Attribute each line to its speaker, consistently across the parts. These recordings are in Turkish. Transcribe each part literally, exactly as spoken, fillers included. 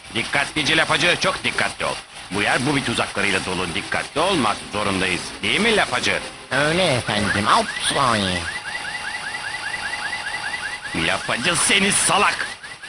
Speaker 1: Dikkatlice lapacı, çok dikkatli ol. Bu yer bu bir tuzaklarıyla dolu, dikkatli olmak zorundayız. Değil mi lapacı?
Speaker 2: Öyle efendim. Ups, ay.
Speaker 1: Lapacı seni salak!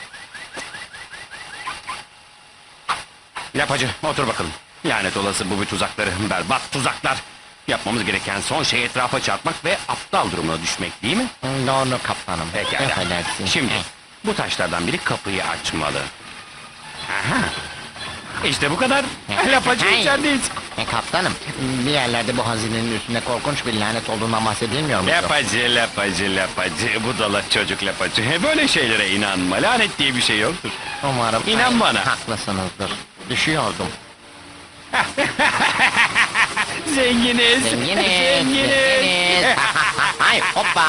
Speaker 1: Lapacı, otur bakalım. Lanet olası bu bir tuzakları, berbat tuzaklar. Yapmamız gereken son şey etrafa çarpmak ve aptal durumuna düşmek, değil mi?
Speaker 2: Doğru kaptanım.
Speaker 1: Pekala.
Speaker 2: Affedersin.
Speaker 1: Şimdi bu taşlardan biri kapıyı açmalı. Aha. İşte bu kadar. Lapacı
Speaker 2: Hey.
Speaker 1: içerideyiz.
Speaker 2: E, kaptanım, bir yerlerde bu hazinenin üstünde korkunç bir lanet olduğundan bahsedilmiyor mu?
Speaker 1: Lapacı, lapacı, lapacı. Budala çocuk lapacı. Böyle şeylere inanma. Lanet diye bir şey yoktur.
Speaker 2: Umarım.
Speaker 1: İnan
Speaker 2: Ay,
Speaker 1: bana.
Speaker 2: Haklısınızdır. Düşüyordum.
Speaker 1: Zenginiz.
Speaker 2: Zenginiz.
Speaker 1: Zenginiz.
Speaker 2: Zenginiz. Ay hoppa.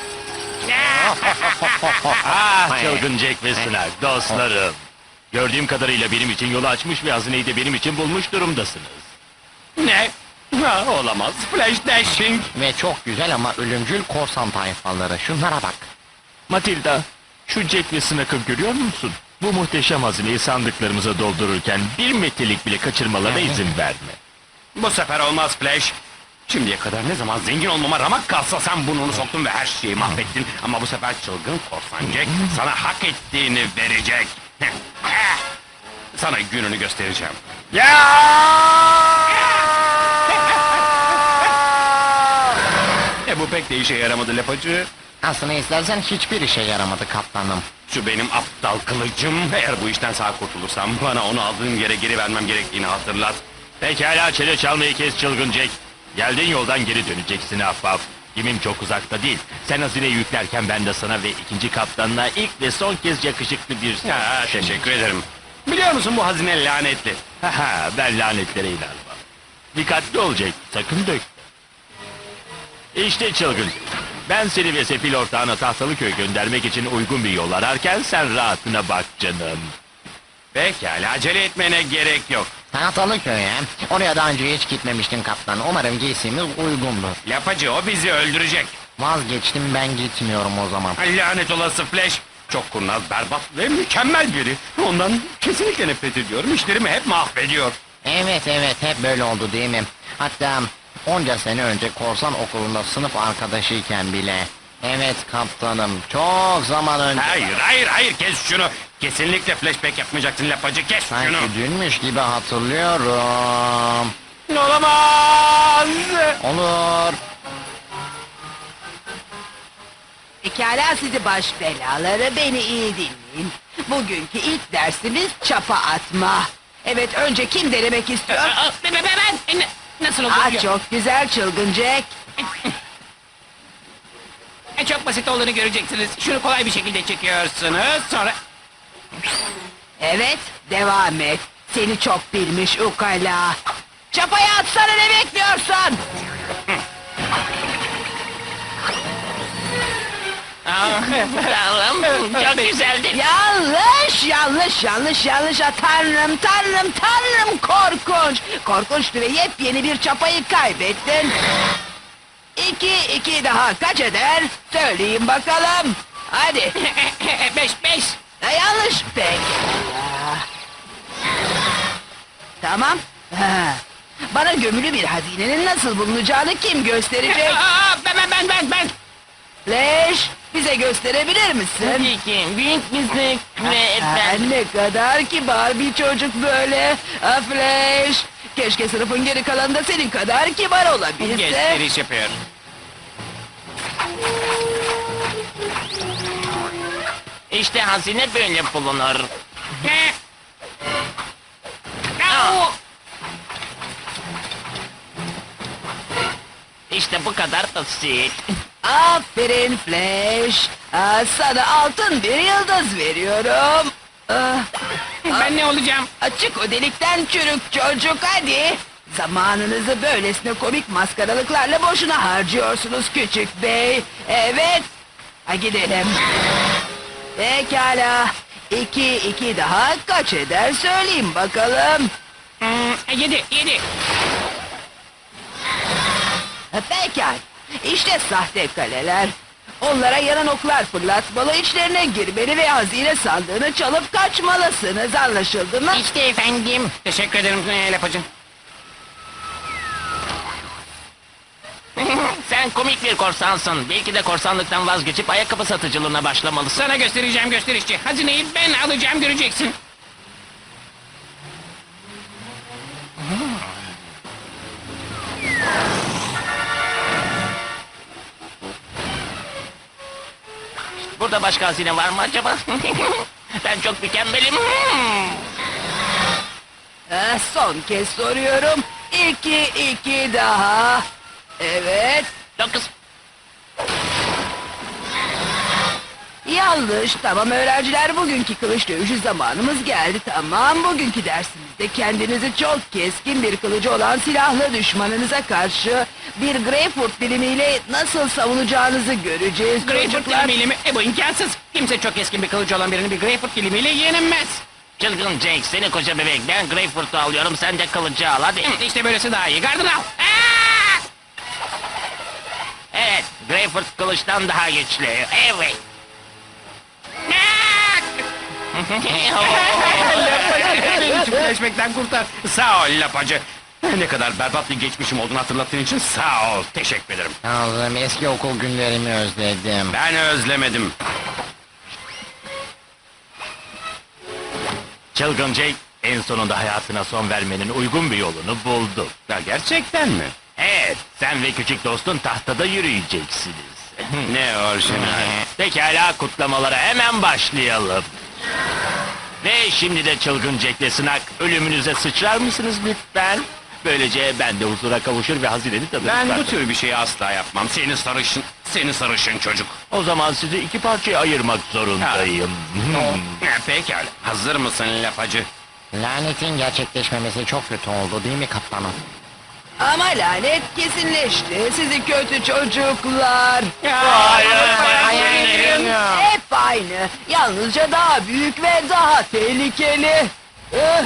Speaker 3: Ah çılgın Jack ve Snark dostlarım. Gördüğüm kadarıyla benim için yolu açmış ve hazineyi de benim için bulmuş durumdasınız.
Speaker 1: Ne? Ha, olamaz. Flash dashing.
Speaker 2: Ve çok güzel ama ölümcül korsan tayfaları. Şunlara bak.
Speaker 3: Matilda, şu Jack ve Snark'ı görüyor musun? Bu muhteşem hazineyi sandıklarımıza doldururken bir metrelik bile kaçırmalarına izin verme.
Speaker 1: Bu sefer olmaz Flash. Şimdiye kadar ne zaman zengin olmama ramak kalsa sen burnunu soktun ve her şeyi mahvettin. Ama bu sefer çılgın korsan Jack sana hak ettiğini verecek. Sana gününü göstereceğim. E bu pek de işe yaramadı lapacı.
Speaker 2: Aslında istersen hiçbir işe yaramadı kaptanım.
Speaker 1: Şu benim aptal kılıcım. Eğer bu işten sağ kurtulursam bana onu aldığım yere geri vermem gerektiğini hatırlat.
Speaker 3: Pekala çene çalmayı kes çılgın Jack. Geldiğin yoldan geri döneceksin ahbap. Gemim çok uzakta değil. Sen hazineyi yüklerken ben de sana ve ikinci kaptanına ilk ve son kez yakışıklı bir...
Speaker 1: Ya, teşekkür ederim. Biliyor musun bu hazine lanetli.
Speaker 3: Haha ben lanetlere inanmam. Dikkatli ol Jack, sakın dök. İşte çılgın. Ben seni ve sefil ortağına Tahtalıköy'e göndermek için uygun bir yol ararken sen rahatına bak canım.
Speaker 1: Pekala acele etmene gerek yok.
Speaker 2: Tahtalıköy'e. Oraya daha önce hiç gitmemiştim kaptan. Umarım giysimiz uygundur.
Speaker 1: Lapacı o bizi öldürecek.
Speaker 2: Vazgeçtim, ben gitmiyorum o zaman.
Speaker 1: Lanet olası Flash. Çok kurnaz, berbat ve mükemmel biri. Ondan kesinlikle nefret ediyorum. İşlerimi hep mahvediyor.
Speaker 2: Evet evet, hep böyle oldu değil mi? Hatta onca sene önce korsan okulunda sınıf arkadaşıyken bile. Evet kaptanım, çok zaman önce.
Speaker 1: Hayır, hayır, hayır. Kes şunu. Kesinlikle flashback yapmayacaksın lapacı. Kes şunu.
Speaker 2: Sanki dünmüş gibi hatırlıyorum.
Speaker 1: Olamaz.
Speaker 2: Olur.
Speaker 4: Pekala sizi baş belaları, beni iyi dinleyin. Bugünkü ilk dersimiz çapa atma. Evet, önce kim denemek istiyor?
Speaker 5: Ben, ben, ben, ben. Nasıl olur?
Speaker 4: Aa, çok güzel çılgın Jack.
Speaker 5: E, Çok basit olduğunu göreceksiniz. Şunu kolay bir şekilde çekiyorsunuz. Sonra...
Speaker 4: Evet, devam et. Seni çok bilmiş ukala. Çapayı atsana, ne bekliyorsun?
Speaker 5: Allah'ım çok güzeldi.
Speaker 4: Yanlış, yanlış, yanlış, yanlış. Ah, Tanrım, tanrım, tanrım, korkunç. Korkunçtu ve yepyeni bir çapayı kaybettin. İki, iki daha kaç eder? Söyleyin bakalım. Hadi.
Speaker 5: beş, beş.
Speaker 4: Ha, yanlış. Peki. Tamam. Ha. Bana gömülü bir hazinenin nasıl bulunacağını kim gösterecek?
Speaker 5: Aa, ben, ben, ben, ben, ben.
Speaker 4: Flash, bize gösterebilir misin?
Speaker 5: ki, büyük müzik ve
Speaker 4: Ha, ne kadar kibar bir çocuk böyle. Ha, Flash, keşke sınıfın geri kalanında senin kadar kibar olabilse.
Speaker 1: Gösteriş yapıyor.
Speaker 5: İşte hazine böyle bulunur. Au! İşte bu kadar basit.
Speaker 4: Aferin Flash. Ha, sana altın bir yıldız veriyorum. Ah,
Speaker 5: Ben ne olacağım?
Speaker 4: açık o delikten çürük çocuk, hadi. Zamanınızı böylesine komik maskaralıklarla boşuna harcıyorsunuz küçük bey. Evet. Ha, gidelim. Pekala. İki, iki daha kaç eder söyleyeyim bakalım.
Speaker 5: Hmm, yedi, yedi.
Speaker 4: Ha, pekala. İşte sahte kaleler. Onlara yanan oklar fırlatmalı, içlerine girmeli ve hazine sandığını çalıp kaçmalısınız. Anlaşıldı mı?
Speaker 2: İşte efendim.
Speaker 5: Teşekkür ederim e, lapacı.
Speaker 3: Sen komik bir korsansın. Belki de korsanlıktan vazgeçip ayakkabı satıcılığına başlamalısın.
Speaker 5: Sana göstereceğim gösterişçi. Hazineyi ben alacağım göreceksin.
Speaker 3: Burada başka hazine var mı acaba? Ben çok mükemmelim.
Speaker 4: Eh, son kez soruyorum. İki, iki daha. Evet.
Speaker 3: Dokuz.
Speaker 4: Yanlış. Tamam öğrenciler, bugünkü kılıç dövüşü zamanımız geldi. Tamam, bugünkü dersimizde kendinizi çok keskin bir kılıcı olan silahlı düşmanınıza karşı bir Greyfurt dilimiyle nasıl savunacağınızı göreceğiz.
Speaker 5: Greyfurt
Speaker 4: çocuklar.
Speaker 5: dilimiyle mi? E bu imkansız. Kimse çok keskin bir kılıcı olan birini bir Greyfurt dilimiyle yenemez.
Speaker 3: Çılgın Jake, seni koca bebek. Ben Greyfurt'u alıyorum, sen de kılıcı al hadi.
Speaker 5: Hı, İşte böylesi daha iyi. Gardını al. Aa!
Speaker 3: Evet, Greyfurt kılıçtan daha güçlü. Evet.
Speaker 1: Beni çiftleşmekten kurtar. Sağ ol lapacı. Ne kadar berbat bir geçmişim olduğunu hatırlattığın için sağ ol. Teşekkür ederim.
Speaker 2: Tanrım, eski okul günlerimi özledim.
Speaker 1: Ben özlemedim.
Speaker 3: Çılgın Jake, en sonunda hayatına son vermenin uygun bir yolunu buldu.
Speaker 1: Ya gerçekten mi?
Speaker 3: Evet, sen ve küçük dostun tahtada yürüyeceksiniz.
Speaker 1: Ne orijinal.
Speaker 3: Pekala, kutlamalara hemen başlayalım. Ve şimdi de Çılgın Jack'le Snak, ölümünüze sıçrar mısınız lütfen? Böylece ben de huzura kavuşur ve hazineni tadını
Speaker 1: Ben bu
Speaker 3: çıkartırım.
Speaker 1: tür bir şeyi asla yapmam. Seni sarışın, seni sarışın çocuk.
Speaker 3: O zaman sizi iki parçaya ayırmak zorundayım. Hmm.
Speaker 1: Ha, pekala. Hazır mısın lapacı?
Speaker 2: Lanetin gerçekleşmemesi çok kötü oldu değil mi kaptanım?
Speaker 4: Ama lanet kesinleşti. Sizi kötü çocuklar.
Speaker 3: Hayır,
Speaker 2: hayır.
Speaker 4: Hep aynı. Yalnızca daha büyük ve daha tehlikeli. Eh,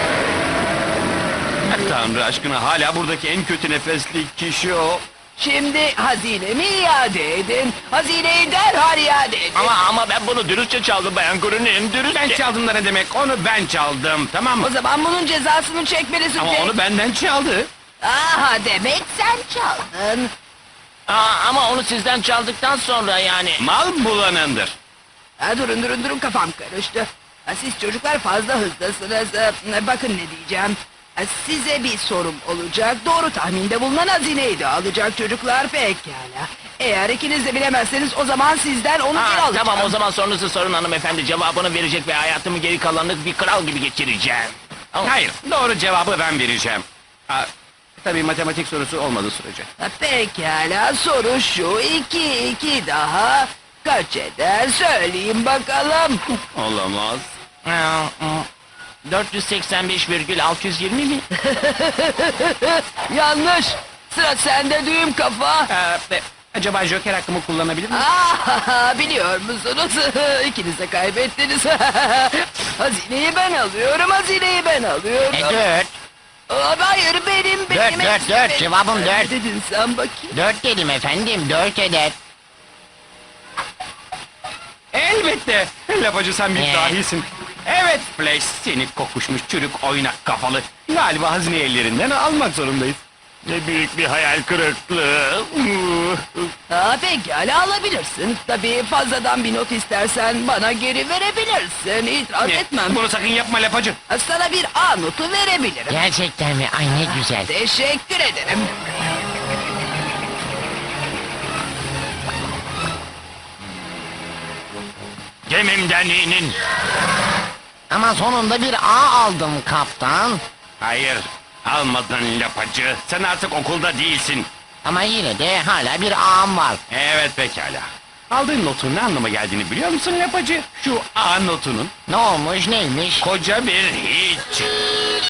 Speaker 1: Tanrı aşkına hala buradaki en kötü nefesli kişi o.
Speaker 4: Şimdi hazinemi iade edin. Hazineyi derhal iade edin.
Speaker 3: Ama ama ben bunu dürüstçe çaldım Bayan Grun'un
Speaker 1: Ben
Speaker 3: dürüstçe.
Speaker 1: çaldım da ne demek? Onu ben çaldım, tamam
Speaker 4: O
Speaker 1: mı?
Speaker 4: zaman bunun cezasını çekmelisin.
Speaker 1: Ama
Speaker 4: Jake.
Speaker 1: onu benden çaldı.
Speaker 4: Aha, demek sen çaldın.
Speaker 3: Aa, ama onu sizden çaldıktan sonra yani.
Speaker 1: Mal bulanındır.
Speaker 4: Ha, durun durun durun, kafam karıştı. Ha, siz çocuklar fazla hızlısınız. Ha, bakın ne diyeceğim. Ha, size bir sorum olacak. Doğru tahminde bulunan hazineyi de alacak çocuklar, pekala. Eğer ikiniz de bilemezseniz o zaman sizden onu geri
Speaker 3: Ha,
Speaker 4: alacağım.
Speaker 3: tamam o zaman sorunuzu sorun hanımefendi. Cevabını verecek ve hayatımı geri kalanını bir kral gibi geçireceğim.
Speaker 1: Hayır, doğru cevabı ben vereceğim. Ha, tabii matematik sorusu olmadığı sürece.
Speaker 4: Ha, pekala, soru şu. İki iki daha kaç eder söyleyin bakalım.
Speaker 1: Olamaz.
Speaker 3: dört yüz seksen beş virgül altı yüz yirmi mi?
Speaker 4: Yanlış. Sıra sende düğüm kafa.
Speaker 1: Ee, e, acaba Joker hakkımı kullanabilir miyim?
Speaker 4: Ah, biliyor musunuz? İkiniz de kaybettiniz. Hazineyi ben alıyorum, hazineyi ben alıyorum.
Speaker 2: E dört.
Speaker 4: Aa, hayır, benim, benim.
Speaker 2: Dört, dört,
Speaker 4: hepsi
Speaker 2: dört.
Speaker 4: benim.
Speaker 2: Cevabım
Speaker 4: Ne
Speaker 2: dört.
Speaker 4: dedin sen bakayım?
Speaker 2: Dört dedim efendim, dört eder.
Speaker 1: Elbette. Lapacı sen bir
Speaker 2: Ee?
Speaker 1: dahisin. Evet Flash, seni kokuşmuş çürük oynak kafalı. Galiba hazine ellerinden almak zorundayız.
Speaker 3: Ne büyük bir hayal kırıklığı.
Speaker 4: Aa, pekala, alabilirsin. Tabii fazladan bir not istersen bana geri verebilirsin. İtiraz
Speaker 1: Ne?
Speaker 4: etmem.
Speaker 1: Bunu sakın yapma lapacı.
Speaker 4: Sana bir A notu verebilirim.
Speaker 2: Gerçekten mi? Ay ne güzel.
Speaker 4: Teşekkür ederim.
Speaker 3: Gemimden inin.
Speaker 2: Ama sonunda bir A aldım kaptan.
Speaker 1: Hayır, almadın lapacı. Sen artık okulda değilsin.
Speaker 2: Ama yine de hala bir A'm var.
Speaker 1: Evet pekala. Aldığın notun ne anlama geldiğini biliyor musun lapacı? Şu A notunun
Speaker 2: Ne olmuş, neymiş?
Speaker 1: koca bir hiç.